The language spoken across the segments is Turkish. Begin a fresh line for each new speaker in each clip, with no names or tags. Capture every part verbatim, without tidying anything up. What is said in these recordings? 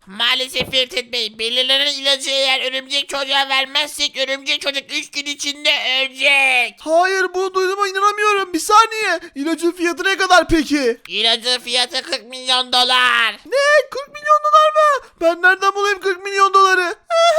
Maalesef Firtet Bey, belirlenen ilacı eğer örümcek çocuğa vermezsek örümcek çocuk üç gün içinde ölecek.
Hayır, bunu duyduğuma inanamıyorum. Bir saniye. İlacın fiyatı ne kadar peki?
İlacın fiyatı kırk milyon dolar.
Ne? kırk milyon dolar mı? Ben nereden bulayım kırk milyon doları?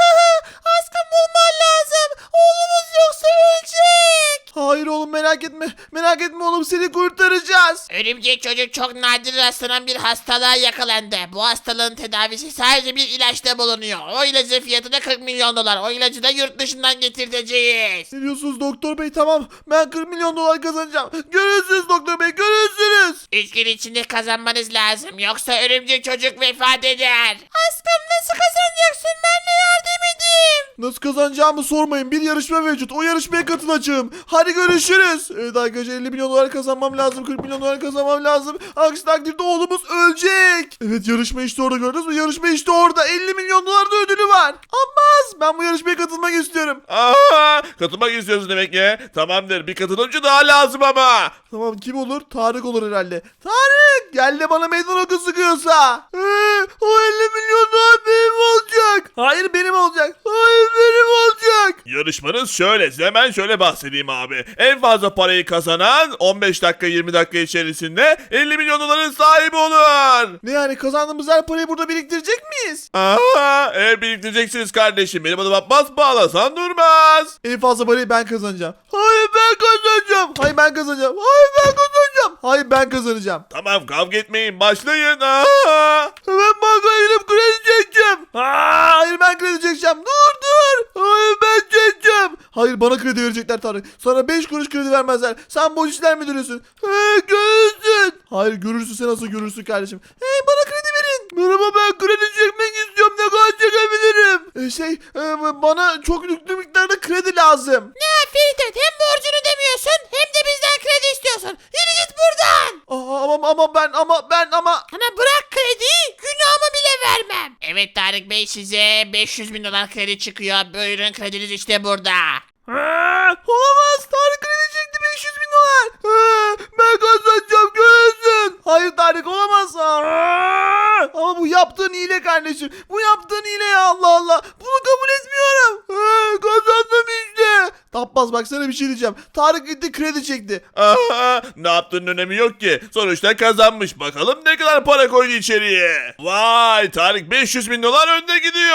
Aşkım, bulman lazım. Oğlumuz yoksa ölecek. Hayır oğlum, merak etme. Merak etme oğlum, seni kurtaracağız.
Örümcek çocuk çok nadir rastlanan bir hastalığa yakalandı. Bu hastalığın tedavisi sadece bir ilaçta bulunuyor. O ilacın fiyatı da kırk milyon dolar. O ilacı da yurt dışından getirteceğiz.
Ne diyorsunuz doktor bey? Tamam, ben kırk milyon dolar kazanacağım. Görürsünüz doktor bey, görürsünüz.
Üç gün içinde kazanmanız lazım. Yoksa örümcek çocuk vefat eder. Aşkım, nasıl kazanacaksın? Ben de yardım edeyim.
Nasıl kazanacağımı sormayın. Bir yarışma mevcut. O yarışmaya katılacağım. Hadi görüşürüz. Evet arkadaşlar, elli milyon dolar kazanmam lazım. kırk milyon dolar kazanmam lazım. Aksi takdirde oğlumuz ölecek. Evet, yarışma işte orada, gördünüz mü? Yarışma işte orada. elli milyon dolar da ödülü var. Abbas, ben bu yarışmaya katılmak istiyorum.
Aa, katılmak istiyorsun demek ki. Tamamdır, bir katılımcı daha lazım ama.
Tamam, kim olur? Tarık olur herhalde. Tarık, gel de bana meydan oku sıkıyorsa. Ee, o elli milyon dolar benim olacak. Hayır, benim olacak. Hayır, benim olacak.
Yarışmanız şöyle, size hemen şöyle bahsedeyim abi. En fazla parayı kazanan on beş dakika yirmi dakika içerisinde elli milyon doların sahibi olur.
Ne yani, kazandığımız her parayı burada biriktirecek miyiz?
Aa, eğer biriktireceksiniz kardeşim. Benim adım Abbas, bağlasan durmaz.
En fazla parayı ben kazanacağım. Hayır, ben kazanacağım. Hayır, ben kazanacağım. Hayır, ben kazanacağım. Hayır, ben kazanacağım.
Tamam, kavga etmeyin, başlayın. Aa.
Hemen bankaya gidip kredi çekeceğim. Aa, hayır, ben kredi çekeceğim. Dur dur. Hayır, ben çekeceğim. Hayır, bana kredi verecekler Tarık. Sana beş kuruş kredi vermezler. Sen borç işler müdürüsün. Hey, görürsün. Hayır, görürsün, sen nasıl görürsün kardeşim. Hey, bana kredi verin. Merhaba, ben kredi çekmek istiyorum. Ne kadar çekebilirim? Ee, şey e, bana çok yüklü miktarda kredi lazım.
Ne Firtet, hem borcunu ödemiyorsun hem de bizden kredi istiyorsun. Yürü git buradan.
Aa, ama ama ben ama ben ama
Sana bırak krediyi, günahımı bile vermem. Evet Tarık Bey, size beş yüz bin dolar kredi çıkıyor. Buyurun, krediniz işte burada.
Aa, olamaz. Tarık kredi çekti, beş yüz bin dolar. Aa, ben kazanacağım, görürsün. Hayır Tarık, olamaz. Aa, ama bu yaptığın hile kardeşim. Bu yaptığın hile ya, Allah Allah. Bunu kabul etmiyorum. Aa, kazandım işte. Tabbaz, bak sana bir şey diyeceğim. Tarık gitti kredi çekti.
Aa, ne yaptığının önemi yok ki. Sonuçta kazanmış. Bakalım ne kadar para koydu içeriye. Vay, Tarık beş yüz bin dolar önde gidiyor.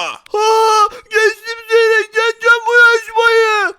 Ha, geçtim seni. Geçeceğim bu yarışmayı.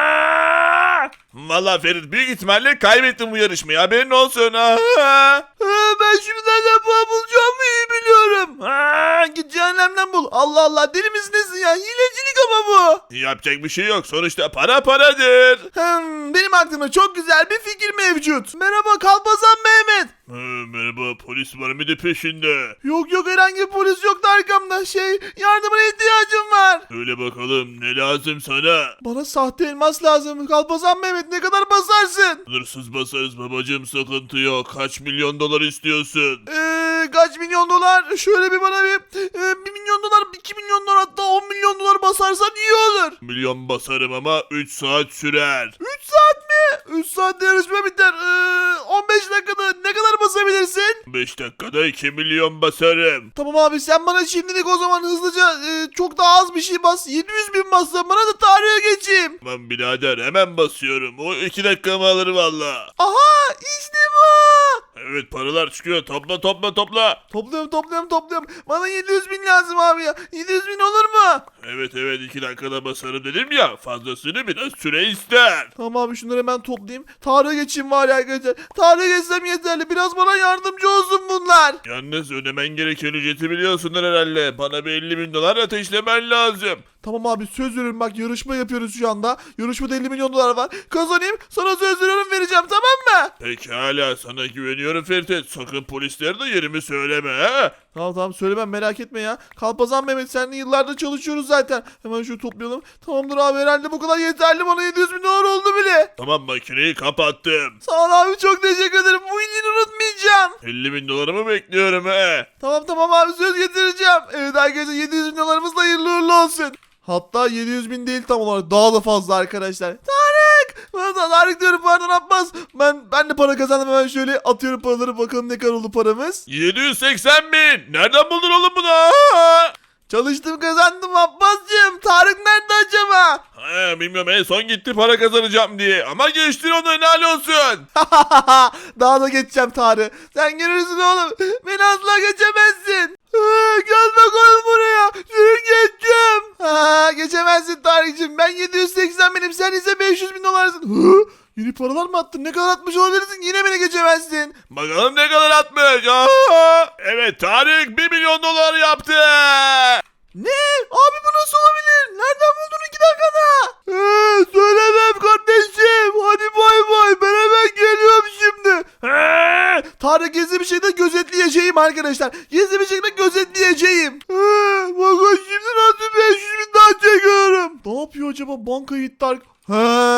Valla Ferit, büyük ihtimalle kaybettin bu yarışmayı. Haberin olsun. Aa.
Ha, ben şimdi nereden para bulacağımı iyi biliyorum. Ha, git cehennemden bul. Allah Allah, deli misin nesin ya? Hilecilik ama bu.
Yapacak bir şey yok. Sonuçta para paradır.
Hmm, benim aklımda çok güzel bir fikir mevcut. Merhaba Kalpazan Mehmet.
Ha, merhaba, polis var mıydı peşinde?
Yok yok, herhangi bir polis yoktu arkamda. Şey, yardımına ihtiyacım var.
Söyle bakalım, ne lazım sana?
Bana sahte elmas lazım. Kalpazan Mehmet, ne kadar basarsın?
Sınırsız basarız babacığım, sıkıntı yok. Kaç milyon dolar istiyorsun?
Eee kaç milyon dolar? Şöyle bir bana bir, e, bir milyon dolar, iki milyon dolar, hatta on milyon dolar basarsan iyi olur.
Milyon basarım ama üç saat sürer.
üç saat mi? üç saatte yarışma biter. Ee, on beş dakikada ne kadar basabilirsin?
beş dakikada iki milyon basarım.
Tamam abi, sen bana şimdilik o zaman hızlıca e, çok daha az bir şey bas. yedi yüz bin bassan bana da tarihe geçeyim.
Tamam birader, hemen basıyorum. O iki dakikamı alır valla.
Aha, işte bu.
Evet, paralar çıkıyor. Topla topla topla.
Topluyorum topluyorum topluyorum. Bana yedi yüz bin lazım abi ya. yedi yüz bin olur mu?
Evet evet, iki dakikada basarım dedim ya. Fazlasını biraz süre ister.
Tamam abi, şunları hemen toplayayım. Tarihe geçeyim var ya arkadaşlar. Tarihe geçsem yeterli. Biraz bana yardımcı olsun bunlar.
Yalnız ödemen gereken ücreti biliyorsundur herhalde. Bana bir elli bin dolar ateşlemen lazım.
Tamam abi, söz veriyorum, bak yarışma yapıyoruz şu anda. Yarışmada elli milyon dolar var. Kazanayım, sana söz veriyorum, vereceğim, tamam mı?
Pekala, sana güveniyorum Ferit. Sakın polislere de yerimi söyleme ha.
Tamam tamam, söylemem, merak etme ya. Kalpazan Mehmet, seninle yıllardır çalışıyoruz zaten. Hemen şunu toplayalım. Tamamdır abi, herhalde bu kadar yeterli, bana yedi yüz bin dolar oldu bile.
Tamam, makineyi kapattım.
Sağ ol abi, çok teşekkür ederim. Bu iyiliğini unutmayacağım.
elli bin dolarımı bekliyorum he.
Tamam tamam abi, söz getireceğim. Evet arkadaşlar, yedi yüz bin dolarımız da hayırlı uğurlu olsun. Hatta yedi yüz bin değil tam olarak, daha da fazla arkadaşlar. Tarık! Tarık diyorum, pardon Abbas. Ben ben de para kazandım, hemen şöyle atıyorum paraları, bakalım ne kadar oldu paramız.
yedi yüz seksen bin. Nereden buldun oğlum bunu? Aa!
Çalıştım, kazandım Abbascığım. Tarık nerede acaba?
Ha, bilmiyorum, en son gitti para kazanacağım diye. Ama geçtin onu, helal olsun.
Daha da geçeceğim Tarık. Sen görürsün oğlum. Beni asla geçemezsin. Ha, gel bakalım buraya. Seni geçeceğim. Ha, geçemezsin Tarık'cığım. Ben yedi yüz seksen binim. Sen ise beş yüz bin dolarsın. Hı? Yeni paralar mı attın? Ne kadar atmış olabilirsin? Yine beni geçemezsin.
Bakalım ne kadar atmış. Aa! Evet, Tarık bir milyon dolar yaptı.
Ne? Abi bu nasıl olabilir? Nereden buldun iki dakikada? Ee, söylemem kardeşim. Hadi bay bay. Ben hemen geliyorum şimdi. Ee, Tarık gizli bir şekilde gözetleyeceğim arkadaşlar. Gizli bir şekilde gözetleyeceğim. Ee, bakın şimdi nasıl beş yüz bin daha çekiyorum. Ne yapıyor acaba banka Tarık? He,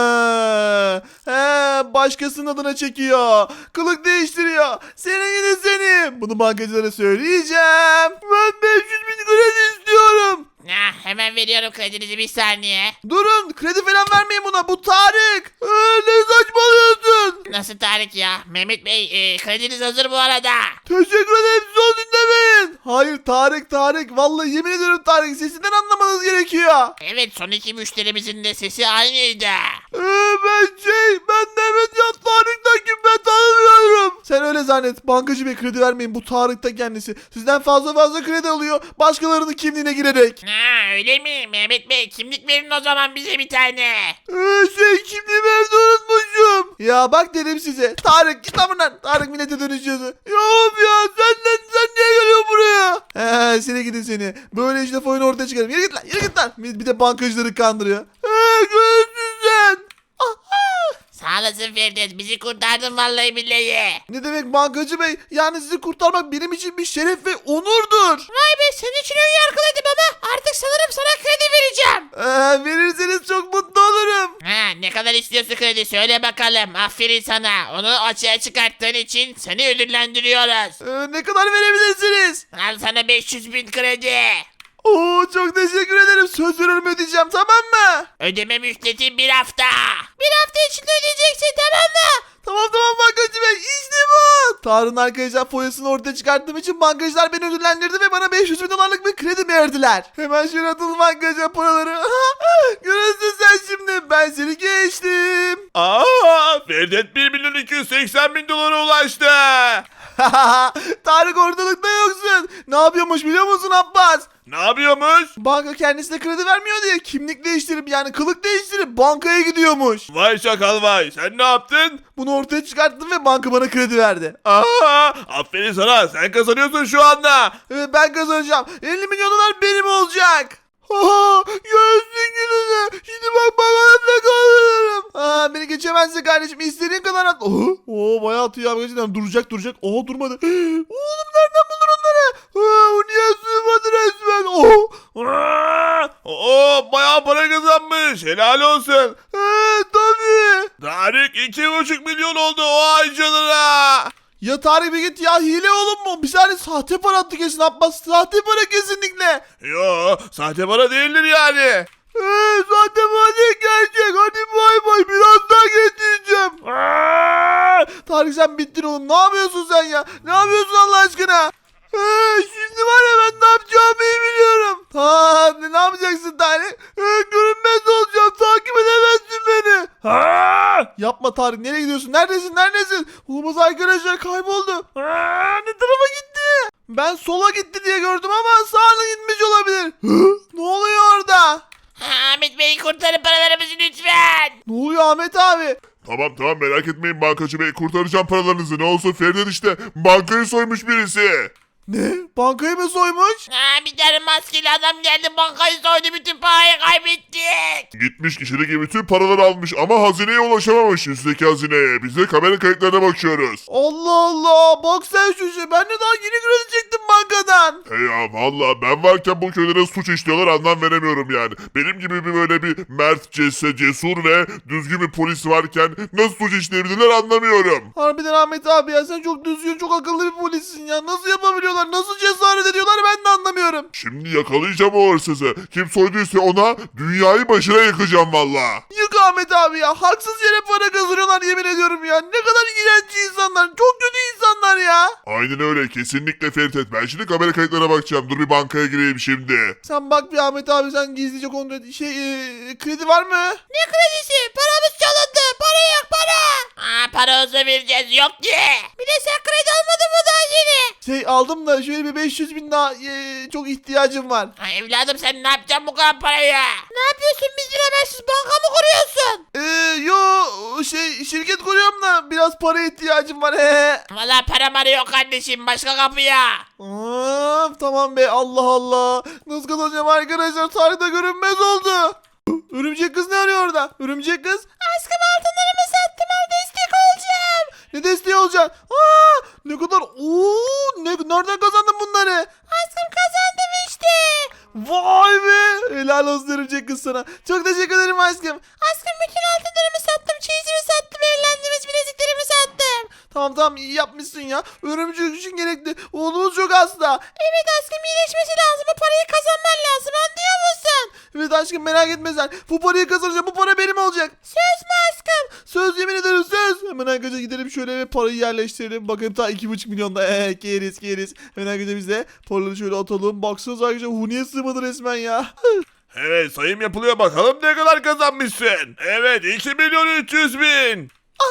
he, başkasının adına çekiyor. Kılık değiştiriyor. Seni yine seni. Bunu bankacılara söyleyeceğim. Ben beş yüz bin kredi istiyorum.
Ah, hemen veriyorum kredinizi, bir saniye.
Durun, kredi falan vermeyin buna. Bu Tarık. Ee, ne saçmalıyorsun?
Nasıl Tarık ya? Mehmet Bey, e, krediniz hazır bu arada.
Teşekkür ederim, son dinlemeyin. Hayır Tarık, Tarık. Vallahi yemin ediyorum Tarık, sesinden anlamanız gerekiyor.
Evet, son iki müşterimizin de sesi aynıydı.
Ee, ben şey, ben Mehmet ya, Tarık'tan kim, ben tanımıyorum. Sen öyle zannet. Bankacı Bey, kredi vermeyin. Bu Tarık da kendisi. Sizden fazla fazla kredi alıyor. Başkalarının kimliğine girerek.
Ha, öyle mi? Mehmet Bey, kimlik verin o zaman bize bir tane.
Ee, şey, kimliğimi evde unutmuşum. Ya bak dedim size. Tarık git lan buradan. Tarık millete dönüşüyorsun. Ya of ya, senden sen niye geliyorsun buraya? He, seni gidin seni. Böyle işte oyunu ortaya çıkarım. Yürü git lan, yürü git lan. Bir bir de bankacıları kandırıyor. He, görürsün sen.
Sağ olasın Firdevs, bizi kurtardın vallahi billahi.
Ne demek bankacı bey? Yani sizi kurtarmak benim için bir şeref ve onurdur.
Vay be, senin için ön yargılıydım ama artık sanırım sana kredi vereceğim.
Ee, verirseniz çok mutlu olurum.
Ha, ne kadar istiyorsun kredi, söyle bakalım. Aferin sana, onu açığa çıkarttığın için seni ödüllendiriyoruz.
Ee, ne kadar verebilirsiniz?
Al sana beş yüz bin kredi.
Oo, çok teşekkür ederim. Söz veriyorum, ödeyeceğim, tamam mı?
Ödeme müddeti bir hafta. Bir hafta içinde ödeyeceksin, tamam mı?
Tamam tamam bankacı bey, işte bu. Tarık'ın arkadaşlar foyasını ortaya çıkarttığım için bankacılar beni ödüllendirdi ve bana beş yüz bin dolarlık bir kredi verdiler. Hemen şöyle atalım bankacılar paraları. Görürsün sen şimdi, ben seni geçtim.
Aa, Ferdet bir milyon iki yüz seksen bin dolara ulaştı.
Tarık ortalıkta yoksun. Ne yapıyormuş biliyor musun Abbas?
Ne yapıyormuş?
Banka kendisine kredi vermiyor diye kimlik değiştirip, yani kılık değiştirip bankaya gidiyormuş.
Vay şakal vay, sen ne yaptın?
Bunu ortaya çıkarttım ve banka bana kredi verdi.
Aa, aferin sana, sen kazanıyorsun şu anda.
Evet, ben kazanacağım. elli milyon dolar benim olacak. Ha, göğsün gününe. Şimdi bak bakalım ne kazanırım. Ha, beni geçemezsin kardeşim. İstediğin kadar at. Oo, oo bayağı atıyor abi. Gerçekten duracak duracak. Oha, durmadı. Oğlum nereden buldun onları? Ha, o niye sığmadı resmen? Oh.
Aa, Oo, bayağı para kazanmış, helal olsun.
He, tabii.
Tarık iki buçuk milyon oldu o ay canına.
Ya Tarık bir git ya, hile oğlum mu? Bir saniye, sahte para attı kesin Abbas. Sahte para kesinlikle.
Yo, sahte para değildir yani.
Eee sahte para değil, gerçek. Hadi bay bay, biraz daha geçeceğim. Aa! Tarık sen bittin oğlum. Ne yapıyorsun sen ya? Ne yapıyorsun Allah aşkına? Eee şimdi var ya, ben ne yapacağımı iyi biliyorum. Ha, ne, ne yapacaksın Tarık? Eee görünmez olacağım. Takip edemezsin beni. Ha! Yapma Tarık, nereye gidiyorsun? Neredesin? Neredesin? Olamaz arkadaşlar, kayboldu. Aa, ne tarafa gitti? Ben sola gitti diye gördüm ama sağına gitmiş olabilir. Hı? Ne oluyor orada?
Ha, Ahmet Bey, kurtarın paralarımızı lütfen.
Ne oluyor Ahmet abi?
Tamam tamam, merak etmeyin bankacı bey, kurtaracağım paralarınızı. Ne olsun, Ferdet işte bankayı soymuş birisi.
Ne? Bankayı mı soymuş?
Ha, bir tane maskeli adam geldi, bankayı soydu, bütün parayı kaybettik.
Gitmiş içindeki bütün paraları almış ama hazineye ulaşamamış, üstteki hazineye. Biz de kamera kayıtlarına bakıyoruz.
Allah Allah, bak sen şu şey. Ben de daha yeni kredi çektim bankadan.
He ya, valla ben varken bu köylere suç işliyorlar, anlam veremiyorum yani. Benim gibi bir böyle bir mert, cesse, cesur ve düzgün bir polis varken nasıl suç işleyebilirler anlamıyorum.
Harbiden Ahmet abi ya, sen çok düzgün, çok akıllı bir polissin ya. Nasıl yapabiliyorsun soyuyorlar. Nasıl cesaret ediyorlar ben de anlamıyorum.
Şimdi yakalayacağım o hırsızı. Kim soyduysa ona dünyayı başına yıkacağım valla.
Yık Ahmet abi ya. Haksız yere para kazanıyorlar yemin ediyorum ya. Ne kadar iğrenç insanlar. Çok kötü insanlar ya.
Aynen öyle, kesinlikle Ferit. Ben şimdi kamera kayıtlarına bakacağım. Dur bir bankaya gireyim şimdi.
Sen bak bir Ahmet abi, sen gizlice kontrol et. Şey e, kredi var mı?
Ne kredisi? Paramız çalındı. Para yok para. Aa, para olsa vereceğiz. Yok ki. Bir de sen kredi almadın mı daha yeni?
Şey aldım da şöyle bir beş yüz bin daha e, çok ihtiyacım var.
Ha, evladım sen ne yapacaksın bu kadar parayı? Ne yapıyorsun? Biz habersiz banka mı kuruyorsun?
Eee yo şey şirket kuruyorum da biraz para ihtiyacım var. He.
Valla param arıyor kardeşim. Başka kapıya.
Aa, tamam be, Allah Allah. Nasıl kazanacağım arkadaşlar? Tarihte görünmez oldu. Örümcek kız ne arıyor orada? Örümcek kız.
Aşkım altınlarımı sattım. Al destek olacağım.
Ne desteği olacaksın? Aa, ne kadar? Oo, ne, nereden kazandın bunları?
Aşkım kazandım işte.
Vay be. Helal olsun örümcek kız sana. Çok teşekkür ederim aşkım.
Aşkım bütün altınlarımı sattım. Çeyizimi sattım. Evlendiğimiz bileziklerimi sattım.
Tamam tamam, iyi yapmışsın ya. Örümcek için gerekli. Oğlumuz çok hasta.
Evet aşkım iyileşmesi lazım. Bu parayı kazanman lazım. Anlıyor musun?
Evet aşkım, merak etme sen. Bu parayı kazanacağım. Bu para benim olacak.
Söz mü aşkım?
Söz, yemin ederim söz. Hemen arkadaşlar gidelim şöyle ve parayı yerleştirelim. Bakın ta iki buçuk milyonda. Eee keriz keriz. Hemen arkadaşlar biz de paraları şöyle atalım. Baksanıza arkadaşlar, Huni'ye sığmadı resmen ya.
Evet, sayım yapılıyor, bakalım ne kadar kazanmışsın. Evet, iki milyon üç yüz bin.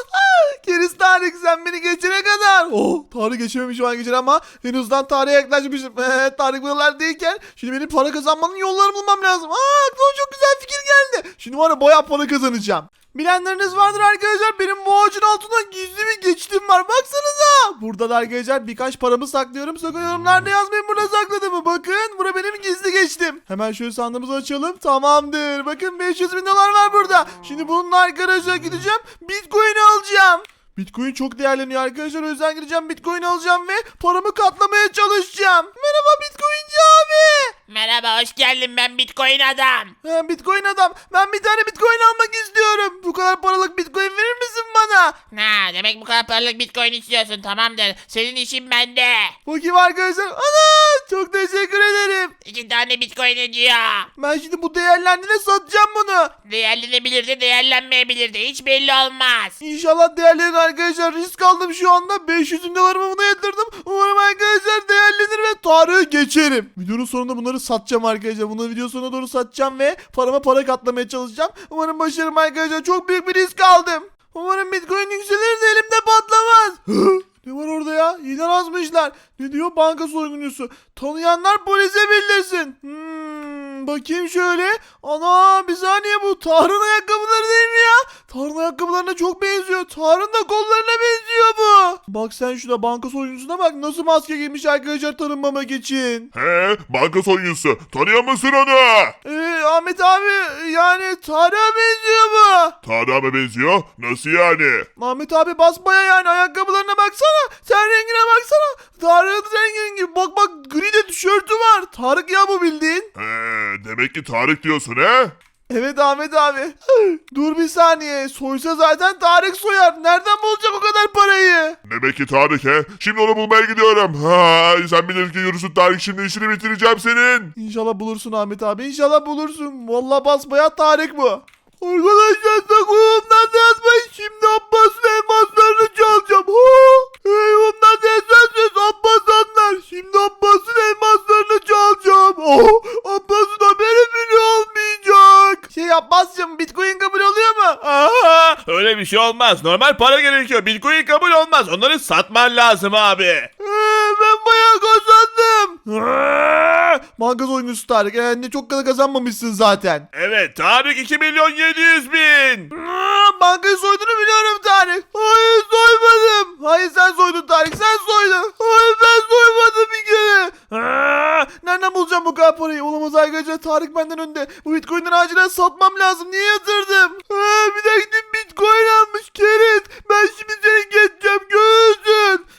Keriz Tarık, sen beni geçene kadar. Oh, Tarık geçememiş şu an geçen ama en azından Tarık'a yaklaşmışım. Ee, Tarık buralardayken şimdi benim para kazanmanın yollarını bulmam lazım. Aa, aklıma çok güzel fikir geldi. Şimdi var ya, bayağı para kazanacağım. Bilenleriniz vardır arkadaşlar, benim bu ağacın altından gizli bir geçitim var, baksanıza. Burada da arkadaşlar birkaç paramı saklıyorum. Sakın yorumlarda yazmayın burada sakladığımı. Bakın, bura benim gizli geçtim. Hemen şöyle sandığımızı açalım. Tamamdır, bakın beş yüz bin dolar var burada. Şimdi bununla arkadaşlar gideceğim, Bitcoin'i alacağım. Bitcoin çok değerleniyor arkadaşlar, o yüzden gideceğim Bitcoin alacağım ve paramı katlamaya çalışacağım. Merhaba Bitcoinci abi.
Merhaba hoş geldin. Ben Bitcoin adam.
Ha, Bitcoin adam, ben bir tane Bitcoin almak istiyorum. Bu kadar paralık Bitcoin verir misin bana?
Ha, demek bu kadar paralık Bitcoin istiyorsun. Tamamdır. Senin işin bende.
Bakayım arkadaşlar. Ana, çok teşekkür ederim.
İki tane Bitcoin ediyor.
Ben şimdi bu değerlendiğine satacağım bunu.
Değerlenebilir de değerlenmeyebilir de. Hiç belli olmaz.
İnşallah değerlenir arkadaşlar. Risk aldım şu anda. beş yüz bin dolarımı buna yatırdım. Umarım arkadaşlar değerlenir ve Tarık'ı geçerim. Videonun sonunda bunları satacağım arkadaşlar. Bunları video sonuna doğru satacağım ve parama para katlamaya çalışacağım. Umarım başarırım arkadaşlar. Çok büyük bir risk aldım. Umarım Bitcoin yükselir de elimde patlamaz. Ne var orada ya? İlan yazmışlar. Ne diyor? Banka soyguncusu. Tanıyanlar polise bildirsin. Hmm, bakayım şöyle. Ana, bir saniye, bu Tarık'ın ayakkabıları değil mi ya? Tarık'ın ayakkabılarına çok benziyor. Tarık'ın da kollarına benziyor bu. Bak sen şuna, banka soyguncusuna bak. Nasıl maske giymiş arkadaşlar tanınmamak için.
He, banka soyuncusu. Tanıyor musun onu?
Ee, Ahmet abi, yani Tarık'a benziyor bu.
Tarık'a mı benziyor? Nasıl yani?
Ahmet abi basbaya, yani ayakkabılarına baksana. Sen rengine baksana. Tarık'ın rengi, bak bak, gri de tişörtü var. Tarık ya bu, bildiğin.
He, demek ki Tarık diyorsun he?
Evet Ahmet abi. Dur bir saniye. Soysa zaten Tarık soyar. Nereden bulacak o kadar parayı?
Demek ki Tarık he? Şimdi onu bulmaya gidiyorum. Ha, sen bilirsin ki yürüsün Tarık, şimdi işini bitireceğim senin.
İnşallah bulursun Ahmet abi. İnşallah bulursun. Vallahi basbayağı Tarık bu. Arkadaşlar sakınımdan da yazmayın. Şimdi Abbas'ın elmaslarını çalacağım. Ha! Hey, ondan da yazarsanız Abbas anlar. Şimdi Abbas'ın elmaslarını çalacağım. Oh, Abbas'ın haberi bile olmayacak. Şey Abbas'cığım, Bitcoin kabul oluyor mu?
Aa, öyle bir şey olmaz. Normal para gerekiyor. Bitcoin kabul olmaz. Onları satman lazım abi.
Ee, ben bayağı kazandım. Aa, banka oyuncusu Tarık. Ee, ne çok kadar kazanmamışsın zaten.
Evet, Tarık iki milyon yedi yüz bin.
Aa, bankayı soyduğunu biliyorum Tarık. Hayır, soymadım. Hayır, sen soydun Tarık. Sen soydun. Hayır, ben soymadım bir kere. Aa, nereden bulacağım bu kadar parayı? Olamaz arkadaşlar. Tarık benden önde. Bu Bitcoin'leri acilen satmam lazım. Niye yatırdım? Aa, bir de gidip Bitcoin almış keriz. Ben şimdi seni geçeceğim. Görürsün.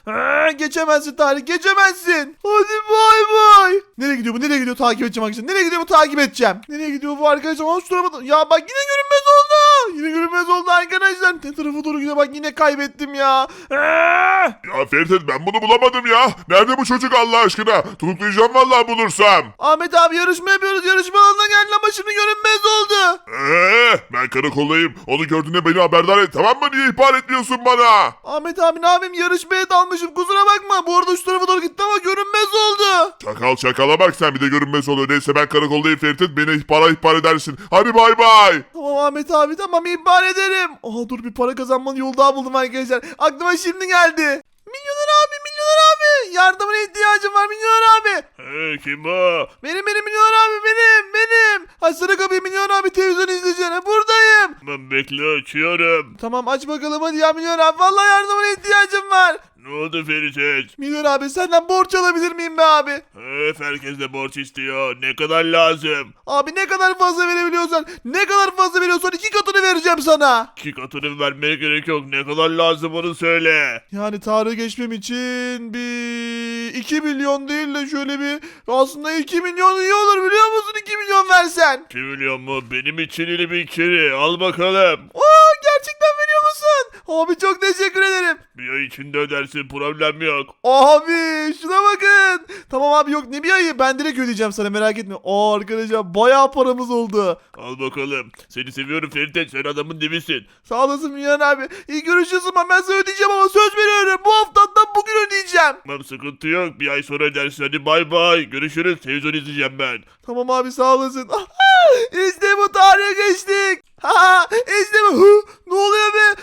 Ha, geçemezsin Tarık, geçemezsin. Hadi bay bay. Nereye gidiyor bu? Nereye gidiyor? Takip edeceğim arkadaşlar. Nereye gidiyor bu? Takip edeceğim. Nereye gidiyor bu arkadaşlar? Aa, şu tarafa da- Ya bak yine görünmez oldu. Yine görünmez oldu arkadaşlar. Ne tarafa doğru gidiyor? Bak yine kaybettim ya. Aa!
Ya Ferit ben bunu bulamadım ya. Nerede bu çocuk Allah aşkına? Tutuklayacağım vallahi bulursam.
Ahmet abi yarışma yapıyoruz. Yarışma alanına geldi ama şimdi görünmez oldu.
Eee ben karakoldayım. Onu gördüğünde beni haberdar et tamam mı? Niye ihbar etmiyorsun bana?
Ahmet abi ne yapayım? Yarışmaya dalmışım. Kusura bakma. Bu arada şu tarafa doğru gitti ama görünmez oldu.
Çakal çakala bak sen bir de görünmez oluyor. Neyse ben karakoldayım Ferit beni ihbara ihbar edersin. Hadi bay bay.
Tamam Ahmet abi tamam ihbar ederim. Aha dur bir para kazanmanın yolu daha buldum arkadaşlar. Aklıma şimdi geldi. Milyoner abi milyoner abi. Yardımına ihtiyacım var milyoner abi.
Hey, kim bu?
Benim benim milyoner abi benim benim. Açsana kapıyı milyoner abi televizyon izleyeceğine buradayım.
Ben bekle açıyorum.
Tamam aç bakalım hadi ya milyoner abi. Vallahi yardımına ihtiyacım var.
Ne oldu Ferit?
Milyoner abi senden borç alabilir miyim be abi?
Öf, herkes de borç istiyor. Ne kadar lazım?
Abi ne kadar fazla verebiliyorsan ne kadar fazla veriyorsan iki katını vereceğim sana.
İki katını vermeye gerek yok. Ne kadar lazım onu söyle.
Yani Tarık'ı geçmem için bir iki milyon değil de şöyle bir aslında iki milyon iyi olur biliyor musun iki milyon versen.
iki milyon mu? Benim için iyi bir kere. Al bakalım.
Oo gerçekten veriyor musun? Abi çok teşekkür ederim.
Bir ay içinde ödersin, problem yok.
Abi şuna bakın. Tamam abi yok ne bir ayı ben direkt ödeyeceğim sana merak etme. Aa arkadaşlar bayağı paramız oldu.
Al bakalım. Seni seviyorum Ferit, sen adamın dibisin.
Sağ olasın Milyon abi. İyi görüşürüz ama ben sana ödeyeceğim ama söz veriyorum. Bu haftadan bugün ödeyeceğim.
Tamam, sıkıntı yok. Bir ay sonra ödersin. Hadi bay bay. Görüşürüz. Televizyon izleyeceğim ben.
Tamam abi sağ olasın. İşte bu tarihe geçtik. Ha işte bu. Hı, ne oluyor be?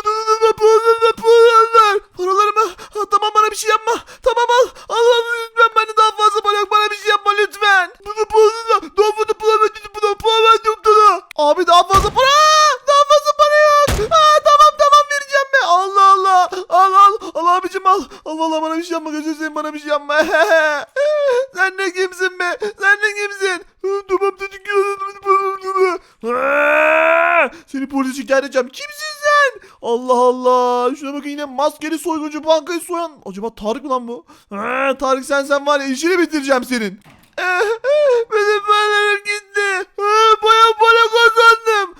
Paralarımı. Ha, tamam bana bir şey yapma. Tamam al. Al al lütfen bende daha fazla para yok. Bana bir şey yapma lütfen. Abi daha fazla para. Daha fazla para yok. Ha, tamam tamam vereceğim be. Allah Allah. Al al. Al abicim al. Al valla bana bir şey yapma. Gözünü seveyim bana bir şey yapma. Sen ne kimsin be? Sen ne kimsin? Tamam dedik. Seni polise şikayet edeceğim. Kimsin sen? Allah Allah. Şuna bakın yine maskeli soyguncu bankayı soyan. Acaba Tarık mı lan bu? Ha, Tarık sen sen var ya işini bitireceğim senin. Benim paralarım gitti. Bayağı para kazandım.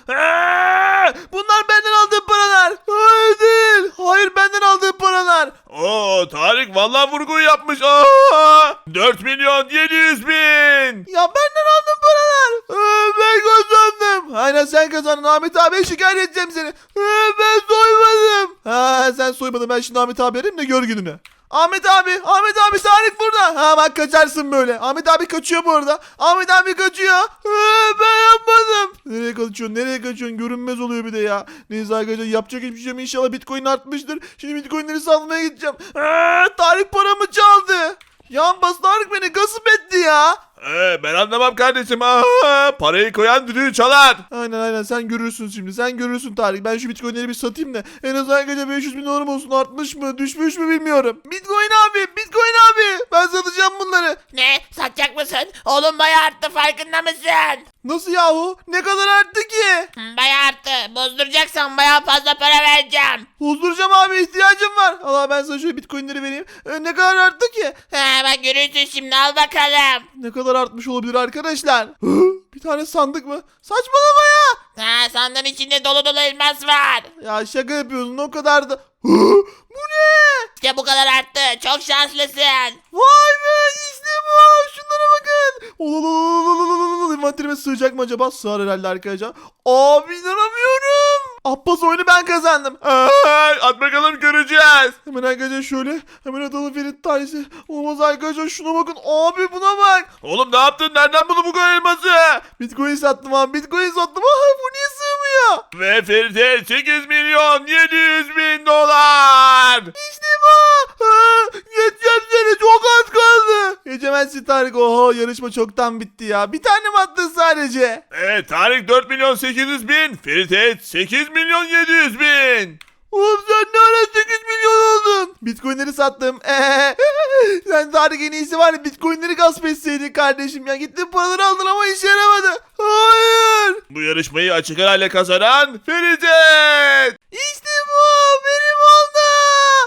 Bunlar benden aldığım paralar. Hayır değil. Hayır benden aldığım paralar.
Oo, Tarık vallahi vurgu yapmış. Aa, dört milyon yedi yüz bin.
Ya benden aldığım paralar. Ben kazandım. Aynen sen kazandın. Ahmet abiye şikayet edeceğim seni. Ben soymadım. Ha, sen soymadın. Ben şimdi Ahmet abi arayayım da gör gününü. Ahmet abi, Ahmet abi Tarık burada. Ha bak kaçarsın böyle. Ahmet abi kaçıyor bu arada. Ahmet abi kaçıyor. Ha, ben yapmadım. Nereye kaçıyorsun? Nereye kaçıyorsun? Görünmez oluyor bir de ya. Neyse arkadaşlar yapacak hiçbir şey yok. İnşallah Bitcoin artmıştır. Şimdi Bitcoin'leri satmaya gideceğim. Ha, Tarık paramı çaldı. Yan bas Tarık beni gasp etti ya.
Ee, ben anlamam kardeşim. Aa, parayı koyan düdüğü çalar.
Aynen aynen sen görürsün şimdi. Sen görürsün Tarık. Ben şu Bitcoin'leri bir satayım da. En az arkadaşlar beş yüz bin dolarım olsun. Artmış mı? Düşmüş mü bilmiyorum. Bitcoin abi. Bitcoin abi. Ben satacağım bunları.
Ne? Satacak mısın? Oğlum bayağı arttı, farkında mısın?
Nasıl yahu? Ne kadar arttı ki?
Hı, Bayağı arttı. Bozduracaksan bayağı fazla para vereceğim.
Bozduracağım abi ihtiyacım var. Allah ben sana şöyle bitcoinleri vereyim. Ee, ne kadar arttı ki?
Ha, bak görürsün şimdi, al bakalım.
Ne kadar artmış olabilir arkadaşlar? Hı? Bir tane sandık mı? Saçmalama ya.
Ha, sandığın içinde dolu dolu elmas var.
Ya şaka yapıyorsun o kadar da. Hı? Bu ne?
İşte bu kadar arttı. Çok şanslısın.
Vay be işte bu. Şunlara bakın. Ololololololololol. İnvanterime sığacak mı acaba? Sığar herhalde arkadaşlar. Abi inanamıyorum. Abbas oyunu ben kazandım.
Aa, at bakalım, göreceğiz.
Hemen arkadaşlar şöyle. Hemen atalım Ferit tanesi. Olmaz arkadaşlar şuna bakın. Abi buna bak.
Oğlum ne yaptın? Nereden buldun bu kadar elması?
Bitcoin sattım abi. Bitcoin sattım. Ay bu niye sığmıyor?
Ve Ferit'e sekiz milyon yedi yüz bin dolar.
İşte bu. Ha, geçeceğim seni. Çok az kaldı. Geçemezsin Tarık. Oho yarışma çoktan bitti ya. Bir tane mi attın sadece?
Evet, Tarık dört milyon sekiz yüz bin. Ferit'e sekiz milyon yedi yüz bin.
Oğlum sen ne ara sekiz milyon oldun? Bitcoinleri sattım. Ee, sen Tarık en iyisi var ya bitcoinleri gasp etseydin kardeşim ya. Gittin paraları aldın ama işe yaramadı. Hayır.
Bu yarışmayı açık arayla kazanan Ferit.
İşte bu benim oldu.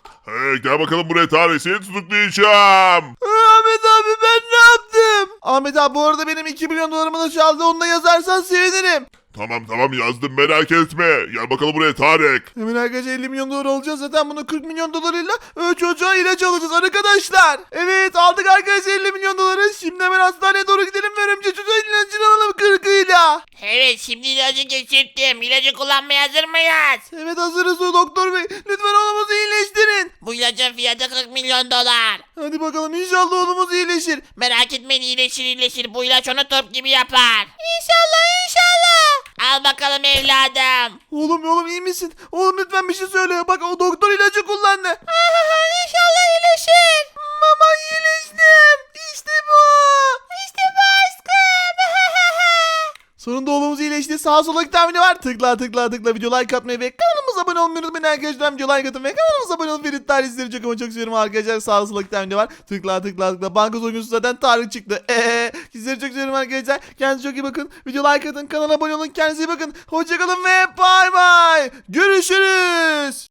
Ee, gel bakalım buraya Tarık, seni tutuklayacağım.
Ahmet abi ben ne yaptım? Ahmet abi bu arada benim iki milyon dolarımı da çaldı. Onu da yazarsan sevinirim.
Tamam tamam yazdım, merak etme. Gel bakalım buraya Tarık.
Hemen arkadaşlar elli milyon dolar alacağız. Zaten bunu kırk milyon dolarıyla e, çocuğa ilaç alacağız arkadaşlar. Evet aldık arkadaşlar elli milyon doları. Şimdi hemen hastaneye doğru gidelim ve örümcek çocuğa ilacını alalım kırkıyla.
Evet şimdi ilacı geçirttim. İlacı kullanmaya hazır mıyız?
Evet hazırız o doktor bey. Lütfen oğlumuzu iyileştirin.
Bu ilacın fiyatı kırk milyon dolar.
Hadi bakalım inşallah oğlumuz iyileşir.
Merak etmeyin iyileşir iyileşir. Bu ilaç onu top gibi yapar. İnşallah inşallah. Al bakalım evladım.
Oğlum oğlum iyi misin? Oğlum lütfen bir şey söyle. Bak o doktor ilacı kullandı.
İnşallah iyileşir.
Mama iyileştim. İşte bu.
İşte bu aşkım.
Sonunda oğlumuz iyileşti. Sağ sola tahmini var. Tıkla tıkla tıkla video like atmayı ve kanalımıza abone olmayı unutmayın arkadaşlar. Video like atın ve kanalımıza abone olun. Ferit Tarih sizleri çok ama çok seviyorum arkadaşlar. Sağ sola tahmini var. Tıkla tıkla tıkla. Banka soyguncusu zaten Tarih çıktı. Eee sizleri çok seviyorum arkadaşlar. Kendinize çok iyi bakın. Video like atın. Kanala abone olun. Kendinize iyi bakın. Hoşçakalın ve bay bay. Görüşürüz.